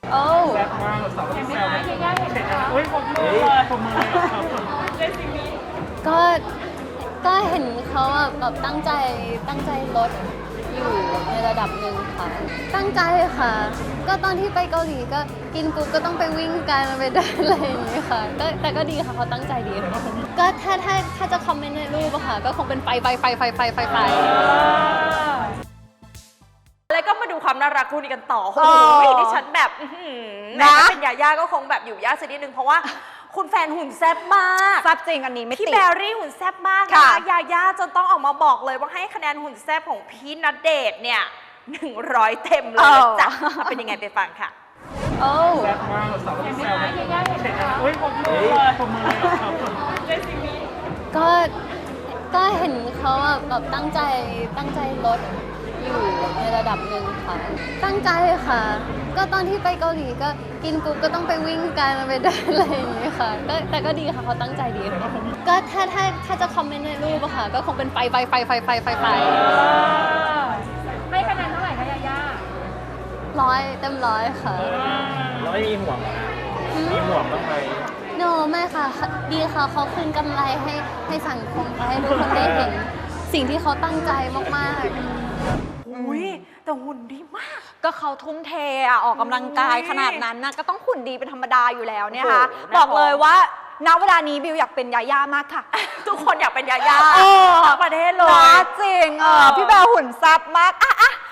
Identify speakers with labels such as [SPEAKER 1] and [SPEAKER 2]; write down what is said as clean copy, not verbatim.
[SPEAKER 1] โอ้
[SPEAKER 2] แซ่บมากสาวต้องแซว
[SPEAKER 1] เห็นไหมคะเห็นไหมคะ
[SPEAKER 2] เฮ้ยผมมือเลยผมมือเลยครับ
[SPEAKER 1] ก็ก็เห็นเขาแบบตั้งใจลดอยู่ในระดับหนึ่งค่ะ ตั้งใจค่ะ ก็ตอนที่ไปเกาหลีก็กินปุ๊บก็ต้องไปวิ่งกันไปเดินอะไรอย่างนี้ค่ะก็แต่ก็ดีค่ะเขาตั้งใจดีค่ะก็ถ้าจะคอมเมนต์ในรูปอะค่ะก็คงเป็นไฟ
[SPEAKER 3] แล้วก็มาดูความน่ารักคู่นี้กันต่อโอ้
[SPEAKER 4] เอ
[SPEAKER 3] โห
[SPEAKER 4] อ
[SPEAKER 3] ดิฉันแบบแหม
[SPEAKER 4] นะ
[SPEAKER 3] ถ้าเป็นยาย่าก็คงแบบอยู่ยากสักนิดนึงเพราะว่าคุณแฟนหุ่นแซ่บมาก
[SPEAKER 4] แซ่บจริงอันนี้ไม่
[SPEAKER 3] พี่
[SPEAKER 4] ติด
[SPEAKER 3] แบรี่หุ่นแซ่บมากนะ
[SPEAKER 4] ค่ะ
[SPEAKER 3] ยาย่าจนต้องออกมาบอกเลยว่าให้คะแนนหุ่นแซ่บของพี่ณเดชน์เนี่ย100 เต็มเลยนะจ๊ะเอาเป็นยังไงไปฟังค่ะ
[SPEAKER 1] โอ้
[SPEAKER 2] แซ่บมากสาวต้องแซว
[SPEAKER 1] เห็นไหมคะเห็นไหมคะ
[SPEAKER 2] เฮ้ยผมมือเลยผมมือเลยครับ
[SPEAKER 1] ก็เห็นเขาแบบตั้งใจลดอยู่ในระดับหนึ่งค่ะ ตั้งใจค่ะ ก็ตอนที่ไปเกาหลีก็กินปุ๊บก็ต้องไปวิ่งกันไปเดินอะไรอย่างนี้ค่ะก็แต่ก็ดีค่ะเขาตั้งใจดีค่ะก็ถ้าจะคอมเมนต์ในรูปอะค่ะก็คงเป็นไฟ
[SPEAKER 5] ให้คะแนนเท่าไหร่คะยาย่า
[SPEAKER 1] 100 เต็ม 100ค่ะ
[SPEAKER 2] แล้วไม่มีห่วงเหรอนะมีห่วงบ้างไหม
[SPEAKER 1] โนไม่ค่ะดีค่ะเขาคืนกำไรให้สังคมให้ทุกคนได้เห็นสิ่งที่เขาตั้งใจมากๆ
[SPEAKER 3] อุ้ยแต่หุ่นดีมาก
[SPEAKER 4] ก็เขาทุ่มเทอะออกกำลังกายขนาดนั้นนะก็ต้องหุ่นดีเป็นธรรมดาอยู่แล้วเนี่ยค่ะ
[SPEAKER 3] โอ้โห
[SPEAKER 4] บอกเลยว่าณเวลานี้บิวอยากเป็นยาย่ามากค่ะ
[SPEAKER 3] ทุกคนอยากเป็นยาย่า
[SPEAKER 4] เออ
[SPEAKER 3] ทั้งประเทศเลย
[SPEAKER 4] นะจริงพี่แบร์หุ่นซับมากอ่ะ